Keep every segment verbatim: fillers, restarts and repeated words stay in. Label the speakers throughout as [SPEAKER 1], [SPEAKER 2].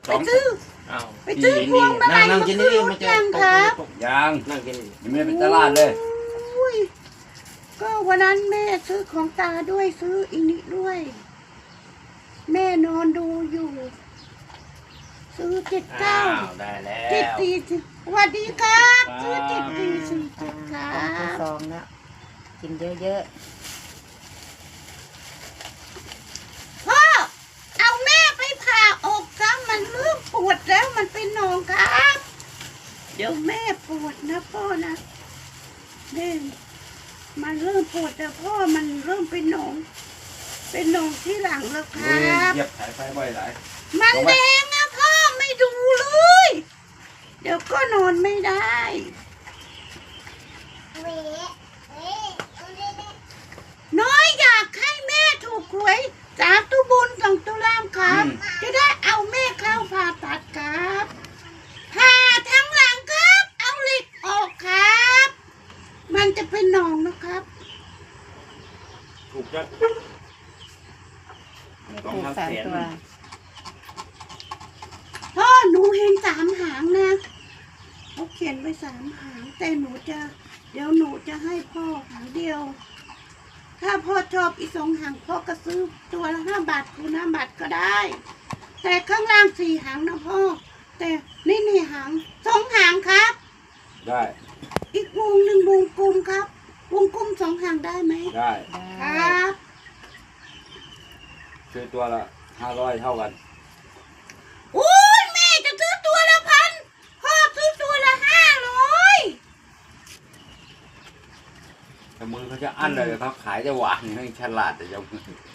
[SPEAKER 1] ไปซื้อไปซื้อพวงมาลัยมาคืนยังครับ
[SPEAKER 2] ยัง
[SPEAKER 3] นั่งกิน
[SPEAKER 2] ยังไม่ได้ไปตลาดเลย
[SPEAKER 1] ก็วันนั้นแม่ซื้อของตาด้วยซื้ออีนิด้วย แม่นอนดูอยู่ ซื้อเจ็ดเก้า
[SPEAKER 3] ได้แล้ว
[SPEAKER 1] เจ็ดสี่สิบสวัสดีครับซื้อเจ็ดสี่สี่เจ็ดครับ
[SPEAKER 4] ซองแล้วกินเยอะ
[SPEAKER 1] ๆพ่อเอาแม่ไปผ่าอกซะมันเริ่มปวดแล้วมันเป็นหนองครับเดี๋ยวแม่ปวดนะพ่อนะแม่มันเริ่มปวดแต่พ่อมันเริ่มเป็นหนองเป็นหนองที่หลังแล้วครับ
[SPEAKER 2] เหยียบสายไฟบ่อยหลาย
[SPEAKER 1] มันแดงนะพ่อไม่ดูเลยเดี๋ยวก็นอนไม่ได้น้อยอยากให้แม่ถูกหวยจากตุบุญของตุลามครับจะได้เอาแม่เข้าผ่าตัดครับผ่าทั้งหลังครับเอาเหล็กออกครับมันจะเป็นหนองนะครับ
[SPEAKER 3] ถูกจัง
[SPEAKER 4] ไม่ถูกสามตัว
[SPEAKER 1] พ่อหนูเห็นสามหางนะเขาเขียนไว้สามหางแต่หนูจะเดี๋ยวหนูจะให้พ่อหางเดียวถ้าพ่อชอบอีกสองหางพ่อก็ซื้อตัวละห้าบาทคูณห้าบาทก็ได้แต่ข้างล่างสี่หางนะพ่อแต่นี่นี่หางสองหางครับ
[SPEAKER 2] ได้
[SPEAKER 1] อีกวงหนึ่งวงกลมครับวงกลมสองหางได้ไหม
[SPEAKER 2] ได้
[SPEAKER 1] ครับ
[SPEAKER 2] ซื้อตัวละห้าร้อยเท่ากัน
[SPEAKER 1] โอ้ยแม่จะซื้อตัวละพันพ่อซื้อตัวละห้าร้อย
[SPEAKER 2] แต่มือเขาจะอั้นเลยเขาขายจะหวานให้ฉลาดแต่จะ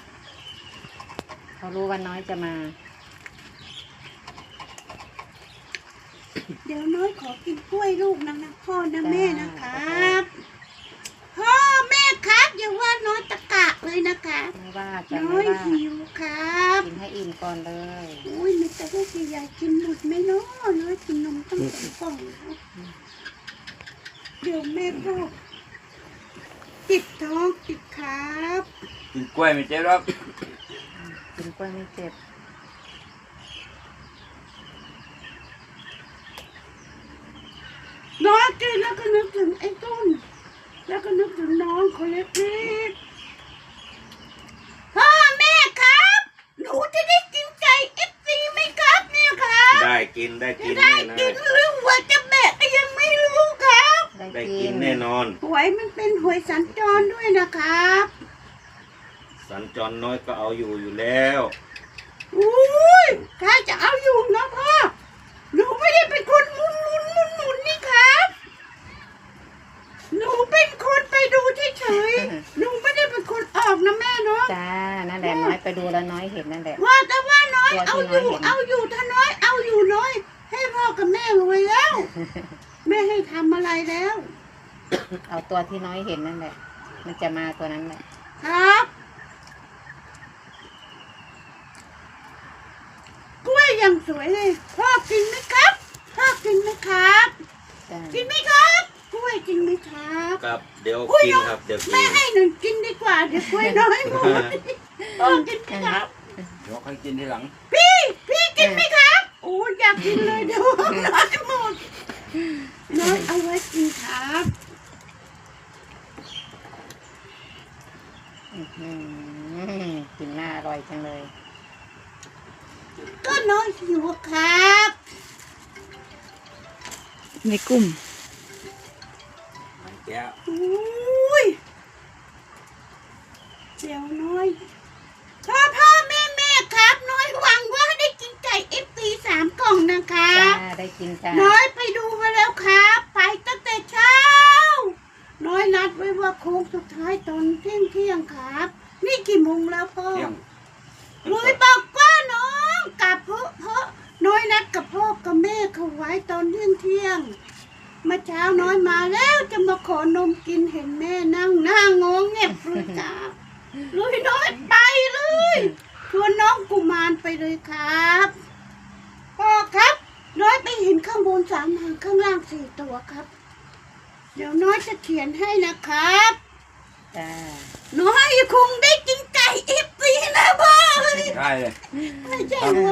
[SPEAKER 4] เขารู้ว่าน้อยจะมา
[SPEAKER 1] เดี๋ยวน้อยขอกินกล้วยลูกนะนะพ่อนะแม่นะครับพ่อแม่ครับอย่าว่าน้อยตะกะเลยนะคะ
[SPEAKER 4] ไม่ว่าจะ
[SPEAKER 1] น้อยหิวครับ
[SPEAKER 4] กินให้อิ่มก่อนเลย
[SPEAKER 1] โอ้ยมันจะได้กี่ใหญ่กินหมดไหมเนาะน้อยกินนมตั้งสองกล่องครับเดี๋ยวแม่ก็ติดท้องติดครับ
[SPEAKER 2] กินกล้วยไม่เจ็บหรอก
[SPEAKER 4] กินกล้วยไม่เจ็บ
[SPEAKER 1] น้อยกินแล้วก็นึกถึงไอ้ต้นแล้วก็นึกถึงน้องคนเล็กๆพ่อแม่ครับหนูจะได้กินไก่เอฟซีไหมครับเนี่ยครับ
[SPEAKER 3] ได้กินได้กิน
[SPEAKER 1] ได้กินหรือว่าจะแบกก็ยังไม่รู้ครับ
[SPEAKER 3] ได้กินแน่นอน
[SPEAKER 1] หวยมันเป็นหวยสัญจรด้วยนะครับ
[SPEAKER 3] สัญจรน้อยก็เอาอยู่อยู่แล้ว
[SPEAKER 1] อุ้ยใครจะเอาอยู่นะพ่อหนูไม่ได้เป็นคนหมุนหมุนหมุนหมุนนี่ครับหนูเป็นคนไปดูเฉยๆหนูไม่ได้เป็นคนออกนะแม่เนาะ
[SPEAKER 4] จ้านั่นแหละน้อยไปดูแล้วน้อยเห็นนั่นแหละ
[SPEAKER 1] ว่าแต่ว่าน้อยเอาอยู่เอาอยู่ถ้าน้อยเอาอยู่น้อยให้พ่อกับแม่รวยแล้วแม่ให้ทำอะไรแล้ว
[SPEAKER 4] เอาตัวที่น้อยเห็นนั่นแหละมันจะมาตัวนั้นแหละ
[SPEAKER 1] ครับกล้วยยังสวยเลยพ่อกินไหมครับพ่อกินไหมครับกินไหมครับกล้วยกินไหมครับ
[SPEAKER 3] ครับเดี๋ยวกินครับเดี๋ยวกิน
[SPEAKER 1] แม่ให้หนึ่งกินดีกว่าเดี๋ยวกล้วยน้อยหมดพ่อกินไหมครับ
[SPEAKER 2] เดี๋ยวค่อยกินทีหลัง
[SPEAKER 1] พี่พี่กินไหมครับโอ้อยากกินเลยเดี๋ยวน้อยหมดน้อยเอาไว้กินครับ
[SPEAKER 4] กินหน้าอร่อยจังเลย
[SPEAKER 1] ก็น้อยหิวครับ
[SPEAKER 4] ในกลุ่ม
[SPEAKER 2] แก้ว
[SPEAKER 1] อุ้ยเดี๋ยวน้อยพ่อพ่อแม่แม่ครับน้อยหวังว่าได้กินไก่เอฟซีสามกล่องนะคะ
[SPEAKER 4] ได้กินจ้า
[SPEAKER 1] น้อยไปดูมาแล้วครับไปตั้งแต่เช้าน้อยนัดไว้ว่าโค้งสุดท้ายตอนเที่ยงเที่ยงครับนี่กี่โมงแล้วพ่อน้อยบอกว่าน้องกับพ่อพ่อน้อยนัดกับพ่อกับแม่เขาไว้ตอนเที่ยงเที่ยงมาเช้าน้อยมาแล้วจะมาขอนมกินเห็นแม่นั่งหน้างงเงียบเลยจ้าลุยน้อยไปเลยชวนน้องกุมารไปเลยครับพ่อครับน้อยไปเห็นข้างบนสามหางข้างล่างสี่ตัวครับเดี๋ยวน้อยจะเขียนให้นะครับ
[SPEAKER 4] จ้า
[SPEAKER 1] น้อยคงได้กินไก่เอฟซีนะพ่อ
[SPEAKER 2] ได้เลย
[SPEAKER 1] ไม่ใช่หัวเบะ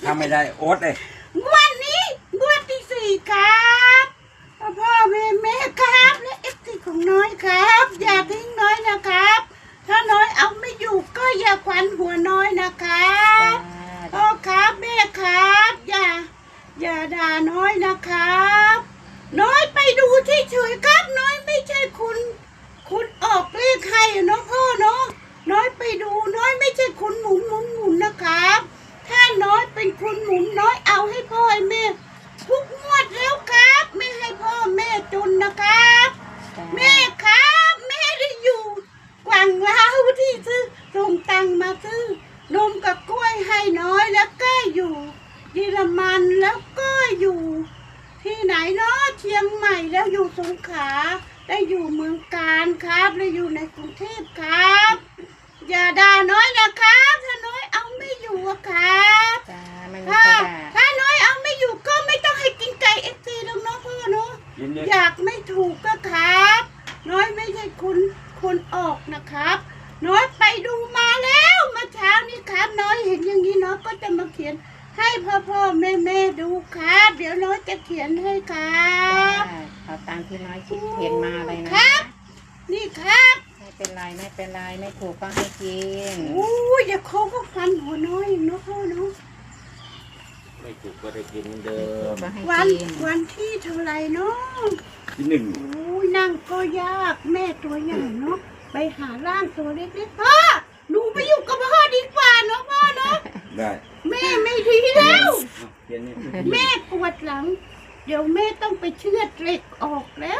[SPEAKER 2] ถ้าไม่ได้โอ๊ตเลย
[SPEAKER 1] งวันนี้งวดที่สี่ครับพ่อพ่อแม่แม่ครับและเอฟซีของน้อยครับ อย่าทิ้งน้อยนะครับ ถ้าน้อยเอาไม่อยู่ก็อย่าควันหัวน้อยนะครับพ่อครับแม่ครับอย่าอย่าด่าน้อยนะครับ น้อยไปดูที่เฉยๆครับน้อยไม่ใช่คุณคุณออกเลขให้เนาะพ่อเนาะน้อยไปดูน้อยไม่ใช่คุณหมุนหมุนหมุนนะครับ ถ้าน้อยเป็นคุณหมุนน้อยเอาให้พ่อให้แม่ทุกงวดแล้วครับไม่ให้พ่อแม่จนนะครับ แม่ครับแม่ได้อยู่กวางลาวที่ซื้อส่งตังมาซื้อนมกับกล้วยให้น้อยแล้วก็อยู่เยอรมันแล้วก็อยู่ ที่ไหนเนาะเชียงใหม่แล้วอยู่สงขลาได้อยู่เมืองการครับแล้วอยู่ในกรุงเทพครับ อย่าด่าน้อยนะครับถ้าน้อยเอาไม่อยู่อะครับ
[SPEAKER 4] จ้าไม่มี
[SPEAKER 1] ถ้า
[SPEAKER 4] ใครด่า
[SPEAKER 1] ถ้าน้อยเอาไม่อยู่ก็ไม่ต้องให้กินไก่เอฟซีแล้วเนาะพ่อเนาะ
[SPEAKER 2] กินเนี่ย
[SPEAKER 1] อยากไม่ถูกก็ครับ น้อยไม่ใช่คุณคนออกนะครับ น้อยไปดูมาแล้วเมื่อเช้านี้ครับ น้อยเห็นอย่างนี้น้อยก็จะมาเขียนให้พ่อพ่อแม่แม่ดูครับ เดี๋ยวน้อยจะเขียนให้ครับ
[SPEAKER 4] จ้าเอาตามที่น้อยคิดเห็นมาเลยนะครับ
[SPEAKER 1] นี่ครับ
[SPEAKER 4] ไม่เป็นไรไม่เป็นไรไม่ถูกก็ให้กิน
[SPEAKER 1] อู้ยอย่าเขาก็ฟันหัวน้อยอีกเนาะพ่อเนาะ
[SPEAKER 3] ไม่ถูกก็ได้กินเหมือนเดิ
[SPEAKER 4] ถูก
[SPEAKER 3] ม
[SPEAKER 4] ก็ให้
[SPEAKER 1] วัน
[SPEAKER 4] กิน
[SPEAKER 1] วันที่เท่าไหรเนาะ
[SPEAKER 2] ที่หนึ่ง
[SPEAKER 1] อู้ยนั่งก็ยากแม่ตัวใหญ่เนาะไปหาร่างตัวเล็กๆพ่อหนูไปอยู่กับพ่อดีกว่าเนาะพ่อเนาะ
[SPEAKER 2] ได้
[SPEAKER 1] แม่ไม่ดีแล้ว
[SPEAKER 3] เขียนนี่
[SPEAKER 1] แม่ปวดหลัง เดี๋ยวแม่ต้องไปเชือดเหล็กออกแล้ว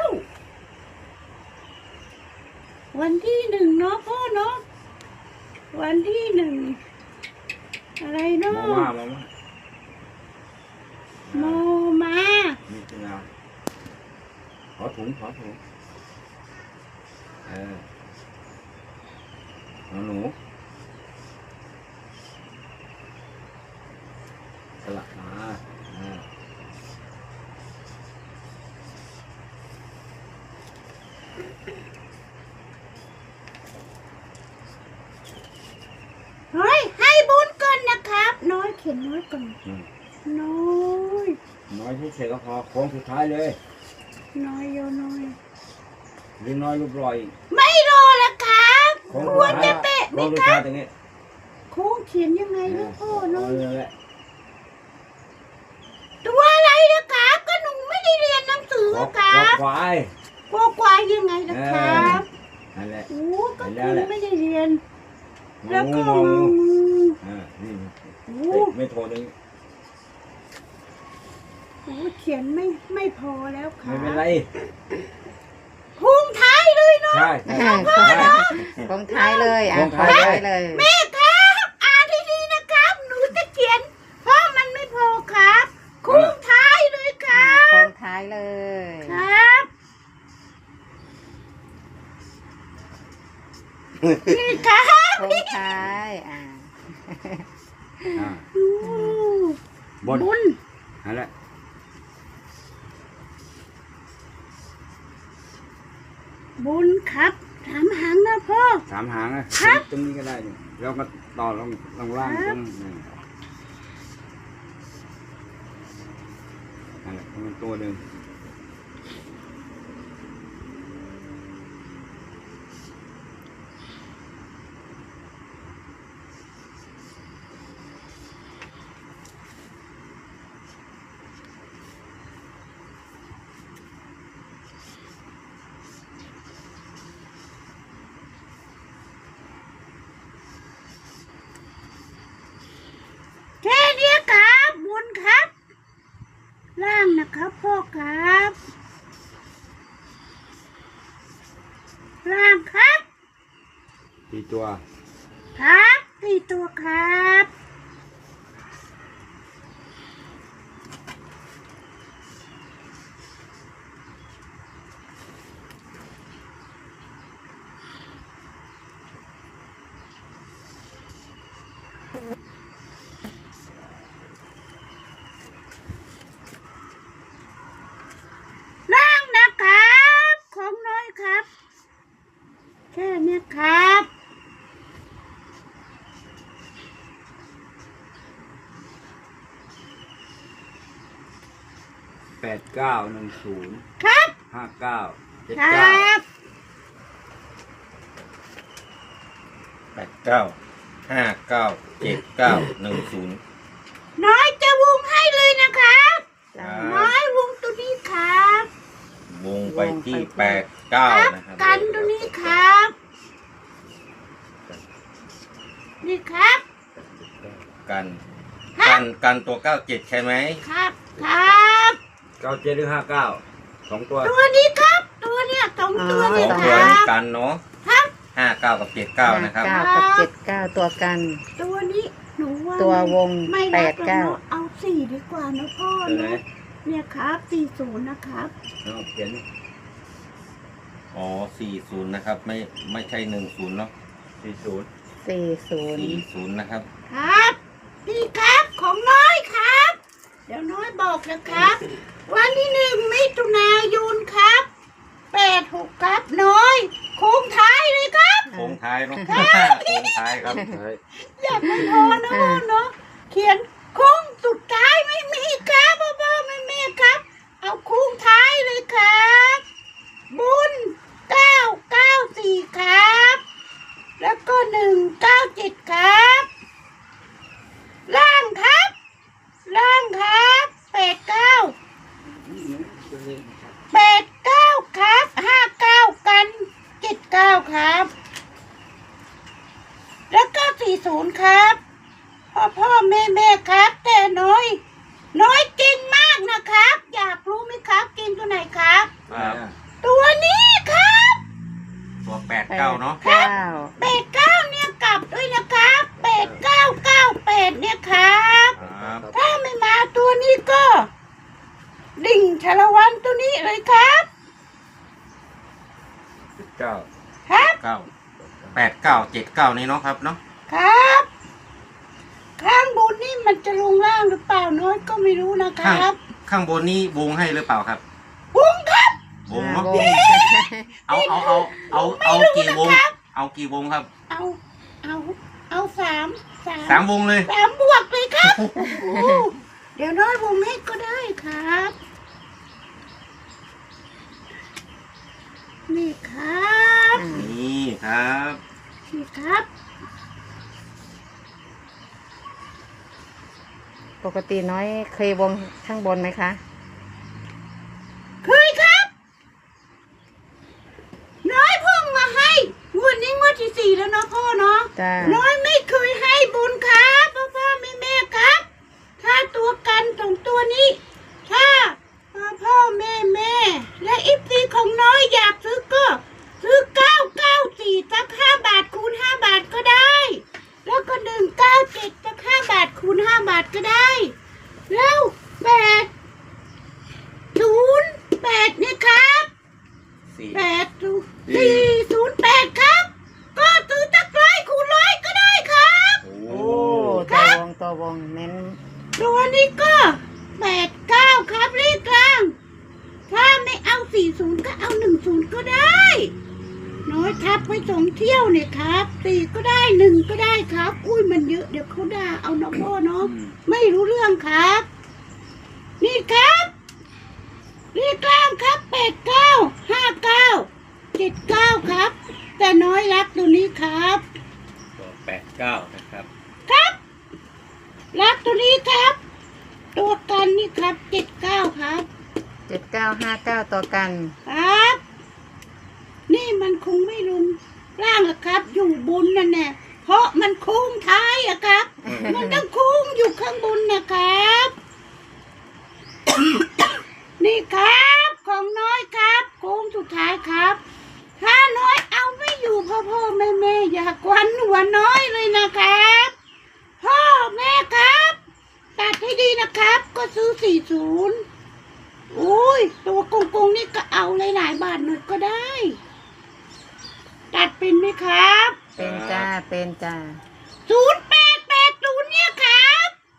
[SPEAKER 1] วันที่หนึ่งเนาะพ่อเนาะวันที่หนึ่งอะไรเนาะ
[SPEAKER 3] มาม่ามาม่า
[SPEAKER 1] โมมา
[SPEAKER 3] นี่คืองาขอถุงขอถุงเออเอาหนูสลับมาอ่า
[SPEAKER 1] เฮ้ยให้บุญก่อนนะครับ น้อยเขียนน้อยก่อน
[SPEAKER 3] อืม
[SPEAKER 1] น้อย
[SPEAKER 3] น้อยเฉยๆก็พอโค้งสุดท้ายเลย
[SPEAKER 1] น้อยโยน้อย
[SPEAKER 3] หรือน้อยรูปรอย
[SPEAKER 1] ไม่รอแล้วครับ
[SPEAKER 3] โค้ง
[SPEAKER 1] ก
[SPEAKER 3] สุ
[SPEAKER 1] ลัว
[SPEAKER 3] ดท้าย
[SPEAKER 1] จะเตะไหม
[SPEAKER 3] โค้งสุด
[SPEAKER 1] ครั
[SPEAKER 3] ท้าย
[SPEAKER 1] บ
[SPEAKER 3] ตรงนี้
[SPEAKER 1] โค้งเขียนยังไงนะพ่อ
[SPEAKER 3] เอ
[SPEAKER 1] เนาะ
[SPEAKER 3] อนั่นแหละ
[SPEAKER 1] ตัวอะไรนะครับก็หนูไม่ได้เรียนหนังสือ
[SPEAKER 3] ขอ
[SPEAKER 1] ครั
[SPEAKER 3] ขอบ ควาย
[SPEAKER 1] กลัวควายยังไงนะครับ
[SPEAKER 3] นั่นแหละ
[SPEAKER 1] โอ้ก็คุณไม่ได้เรียน
[SPEAKER 3] ง
[SPEAKER 1] แล้ว
[SPEAKER 3] อ
[SPEAKER 1] ก็
[SPEAKER 3] งูงอ
[SPEAKER 1] งู
[SPEAKER 3] งูอ่านี่
[SPEAKER 1] โอ้
[SPEAKER 3] เอ้ยไม่โทรนึง
[SPEAKER 1] โหเขียนไม่ไม่พอแล้วครั
[SPEAKER 3] ไม่
[SPEAKER 1] บ
[SPEAKER 3] เป็นไร
[SPEAKER 1] พุงท้ายเลยเนาะ
[SPEAKER 3] ใช่
[SPEAKER 4] อ่า
[SPEAKER 3] ใช่ใช่
[SPEAKER 4] ลงท้ายเลยอ่ะ
[SPEAKER 3] ลงท้ายเลย
[SPEAKER 4] ลงเลย
[SPEAKER 1] แม่ครับอ่านดีๆนะครับ หนูจะเขียน เพราะมันไม่พอครับคุงท้ายเลยค
[SPEAKER 4] อ่า
[SPEAKER 1] รับ
[SPEAKER 4] ลงท้ายเลย
[SPEAKER 1] ครับนี่ครับ
[SPEAKER 4] ลงท้ายอ่า
[SPEAKER 3] อ่า
[SPEAKER 1] อู้
[SPEAKER 3] บน
[SPEAKER 1] บุญ
[SPEAKER 3] นั่นแหละ
[SPEAKER 1] บุญครับถามหางนะพ่อ
[SPEAKER 3] สามหางนะครับ ตรงนี้ก็ได้นี่แล้วก็ต่อลงลงล่าง
[SPEAKER 1] ค
[SPEAKER 3] ต
[SPEAKER 1] รั
[SPEAKER 3] ร
[SPEAKER 1] บ
[SPEAKER 3] งนี่นั่นแหละมันตัวหนึ่ง
[SPEAKER 1] แค่เนี้ยครับบุญครับ ล่างนะครับพ่อครับ ล่างครับ
[SPEAKER 3] สี่ตัว
[SPEAKER 1] ครับสี่ตัวครับ ล่างนะครับ ของน้อยครับ แค่เนี้ยครับ
[SPEAKER 2] แปดเก้าหนึ่งศูนย์
[SPEAKER 1] ครับ
[SPEAKER 2] ห้าเก้าเจ็ด
[SPEAKER 1] คร
[SPEAKER 2] เก้า
[SPEAKER 1] ับ
[SPEAKER 3] แปดเก้าห้าเก้าเจ็ดเก้าหนึ่งศูนย์
[SPEAKER 1] น้อยจะวงให้เลยนะครับ
[SPEAKER 4] จ้า
[SPEAKER 1] น้อยวงตัวนี้ครับ
[SPEAKER 3] วงไปที่แปดเก้า
[SPEAKER 1] ครับ
[SPEAKER 3] นะครับ
[SPEAKER 1] กันตัวนี้ครับ นี่ครับ
[SPEAKER 3] กัน
[SPEAKER 1] ครั
[SPEAKER 3] กับ นกันตัวเก้าเจ็ดใช่ไหม
[SPEAKER 1] ครับครับ
[SPEAKER 2] เก้าเจ็ดหรือห้าเก้าสองตัว
[SPEAKER 1] ตัวนี้ครับ ตัวเนี้ยสองตัว
[SPEAKER 3] ส
[SPEAKER 1] นี้
[SPEAKER 3] อง
[SPEAKER 1] ค
[SPEAKER 3] ตัว
[SPEAKER 1] รั
[SPEAKER 3] นี้
[SPEAKER 1] บ
[SPEAKER 3] กันเนาะ
[SPEAKER 1] ครับ
[SPEAKER 3] ห้าเก้ากับเจ็ดเก้านะครับ
[SPEAKER 4] เก้ากับเจ็ดเก้าตัวกัน
[SPEAKER 1] ตัวนี้หนูว่า
[SPEAKER 4] ตัววง
[SPEAKER 1] ไม่
[SPEAKER 4] แป
[SPEAKER 1] รั
[SPEAKER 4] ด
[SPEAKER 1] กแล้ว
[SPEAKER 4] เก้า
[SPEAKER 1] เนอะเอาสี่ดีกว่านะพ่อ
[SPEAKER 2] ตัวไหน
[SPEAKER 1] เนาะเนี่ยครับสี่ศูนย์นะครับ
[SPEAKER 2] เอาเขียน
[SPEAKER 3] อ๋อสี่ศูนย์นะครับ ไม่ไม่ใช่หนึ่งศูนย์เนาะ
[SPEAKER 2] สี่ศูนย์
[SPEAKER 4] สี่ศูนย์
[SPEAKER 3] สี่ศูนย์นะครับ
[SPEAKER 1] ครับนี่ครับของน้อยครับ เดี๋ยวน้อยบอกนะครับ วันที่หนึ่งมิถุนายนครับแปดหกครับน้อยโค้งท้ายเลยครับ
[SPEAKER 3] โค้งท้ายเนาะ โค้งท้ายครับ
[SPEAKER 1] อยากไม่พอนะพ่อเนาะเขียนโค้งสุดท้ายไม่มีครับพ่อพ่อแม่แม่ครับ เอาโค้งท้ายเลยครับบุญเก้าเก้าสี่ครับ แล้วก็หนึ่งเก้าเจ็ดครับ ล่างครับ ล่างครับแปดเก้าแปดเก้าครับห้าเก้ากันเจ็ดเก้าครับ แล้วก็สี่ศูนย์ครับพ่อพ่อแม่แม่ครับ แต่น้อย น้อยเก่งมากนะครับ อยากรู้ไหมครับเก่งตัวไหนครับ
[SPEAKER 3] ครับ
[SPEAKER 1] ตัวนี้ครับ
[SPEAKER 3] ตัวแปดเก้าเนาะ
[SPEAKER 4] เก้า
[SPEAKER 1] แปดเก้าเนี่ยกลับด้วยนะครับแปดเก้าเก้าแปดเนี่ยครับ
[SPEAKER 3] ครับ
[SPEAKER 1] ถ้าไม่มาตัวนี้ก็ ดิ่งชาละวันตัวนี้เลยครับ
[SPEAKER 2] เก้า
[SPEAKER 1] ครับ
[SPEAKER 3] เก้าแปดเก้าเจ็ดเก้านี่เนาะครับเนาะ
[SPEAKER 1] ครับ ข้างบนนี่มันจะลงล่างหรือเปล่าน้อยก็ไม่รู้นะค
[SPEAKER 3] ข้าง
[SPEAKER 1] รับ
[SPEAKER 3] ข้างบนนี่วงให้หรือเปล่าครับ
[SPEAKER 1] บุ้งครับ
[SPEAKER 3] วงเนาะ
[SPEAKER 4] วง
[SPEAKER 3] เอาเอาเอาเอาเอากี่วง
[SPEAKER 1] นะครับ
[SPEAKER 3] เอากี่วงครับ
[SPEAKER 1] เอาเอาเอาสามสาม
[SPEAKER 3] สามวงเลย
[SPEAKER 1] สามบวกเลยครับโอ้โหเดี๋ยวน้อยวงให้ก็ได้ครับ นี่ครับ
[SPEAKER 4] อ่า
[SPEAKER 3] นี่ครับ
[SPEAKER 1] นี่ครับ
[SPEAKER 4] ปกติน้อยเคยวงข้างบนไหมคะ
[SPEAKER 1] เคยครับ น้อยเพิ่งมาให้งวดนี้งวดที่สี่แล้วเนาะพ่อเนาะ
[SPEAKER 4] จ้า
[SPEAKER 1] น้อยไม่เคยให้บุญครับพ่อพ่อแม่แม่ครับ ถ้าตัวกันสองตัวนี้ ถ้าพ่อพ่อแม่แม่และอิฟซีของน้อยอยากซื้อก็ซื้อเก้าเก้าสี่สักห้าบาทคูณห้าบาทก็ได้ แล้วก็หนึ่งเก้าเจ็ดสักห้าบาทคูณห้าบาทก็ได้ แล้วแปดศูนย์แปดเนี่ยครับ
[SPEAKER 3] สี่
[SPEAKER 1] แปดศูนย์สี่ศูนย์แปดครับ ก็ซื้อสักร้อยคูณร้อยก็ได้ครับ
[SPEAKER 3] โอ้
[SPEAKER 4] โอ้ตัววงตัววงเน้น
[SPEAKER 1] ตัวนี้ก็แปดเก้าครับเลขกลาง ถ้าไม่เอาสี่ศูนย์ก็เอาหนึ่งศูนย์ก็ได้ น้อยทับไว้สองเที่ยวเนี่ยครับสี่ก็ได้หนึ่งก็ได้ครับ อุ้ยมันเยอะเดี๋ยวเขาด่าเอานะพ่อเนาะ
[SPEAKER 2] อืม
[SPEAKER 1] ไม่รู้เรื่องครับ นี่ครับเลขกลางครับแปดเก้าห้าเก้าเจ็ดเก้าครับ แต่น้อยรักตัวนี้ครับ
[SPEAKER 3] ตัวแปดเก้านะครับ
[SPEAKER 1] ครับ รักตัวนี้ครับ ตัวกันนี่ครับเจ็ดเก้าครับ
[SPEAKER 4] เจ็ดเก้าห้าเก้าตัวกัน
[SPEAKER 1] ครับ นี่มันคงไม่รุนร่างอะครับ อยู่บนนั่นแน่เพราะมันโค้งท้ายอะครับ มันต้องโค้งอยู่ข้างบนนะครับ นี่ครับของน้อยครับโค้งสุดท้ายครับ ถ้าน้อยเอาไม่อยู่พ่อพ่อแม่แม่อย่ากวนหัวน้อยเลยนะครับ พ่อแม่ครับ ตัดให้ดีนะครับ ก็ซื้อสี่ศูนย์โอ้ยตัวกงๆนี่ก็เอาหลายๆบาทหน่อยก็ได้ ตัดเป็นไหมครับ
[SPEAKER 4] เป็นจ้าเป็นจ้า
[SPEAKER 1] ศูนย์แปดแปดศูนย์เนี่ยครับ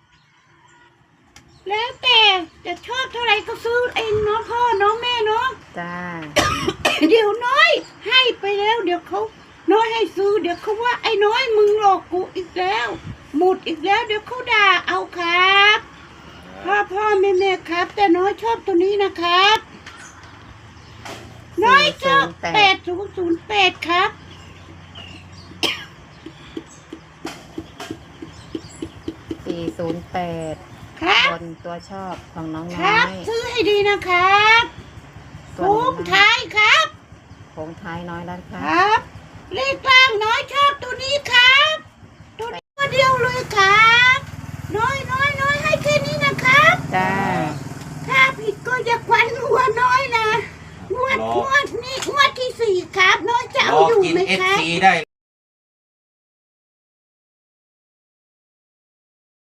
[SPEAKER 1] แล้วแต่จะชอบเท่าไหร่ก็ซื้อเองเนาะพ่อเนาะแม่เนาะ
[SPEAKER 4] จ้า
[SPEAKER 1] เดี๋ยวน้อยให้ไปแล้ว เดี๋ยวเขาน้อยให้ซื้อ เดี๋ยวเขาว่าไอ้น้อยมึงหลอกกูอีกแล้ว หมดอีกแล้ว เดี๋ยวเขาด่าเอาครับ คพ่อพ่อแม่แม่ครับ แต่น้อยชอบตัวนี้นะครับ น้อยชอบแปดศูนย์ศูนย์แปดครับ
[SPEAKER 4] สี่ศูนย์แปด
[SPEAKER 1] ครับ
[SPEAKER 4] บนตัวชอบของน้อง
[SPEAKER 1] ค
[SPEAKER 4] น้
[SPEAKER 1] รั
[SPEAKER 4] อบ ย
[SPEAKER 1] ซื้อให้ดีนะครับ
[SPEAKER 4] ส่วน
[SPEAKER 1] โค้
[SPEAKER 4] น้อง
[SPEAKER 1] ง
[SPEAKER 4] น้อย
[SPEAKER 1] ท้ายครับ
[SPEAKER 4] โค้งท้ายน้อยแล้วค
[SPEAKER 1] ครับ รับ เลขกลางน้อยชอบตัวนี้ครับ ตัวนี้ตัวเดียวเลยครับ น้อยน้อยน้อยให้แค่นี้นะครับ
[SPEAKER 4] จ้า
[SPEAKER 1] ถ้าผิดก็อย่าควันหัวน้อยนะงวด
[SPEAKER 2] รอ
[SPEAKER 1] งวดนี้งวดที่สี่ครับ น้อยจะ
[SPEAKER 2] ร
[SPEAKER 1] เอา
[SPEAKER 2] อ
[SPEAKER 1] อยู่
[SPEAKER 2] กิน
[SPEAKER 1] ไหม
[SPEAKER 2] เอฟ
[SPEAKER 1] ครับ
[SPEAKER 2] ซีได้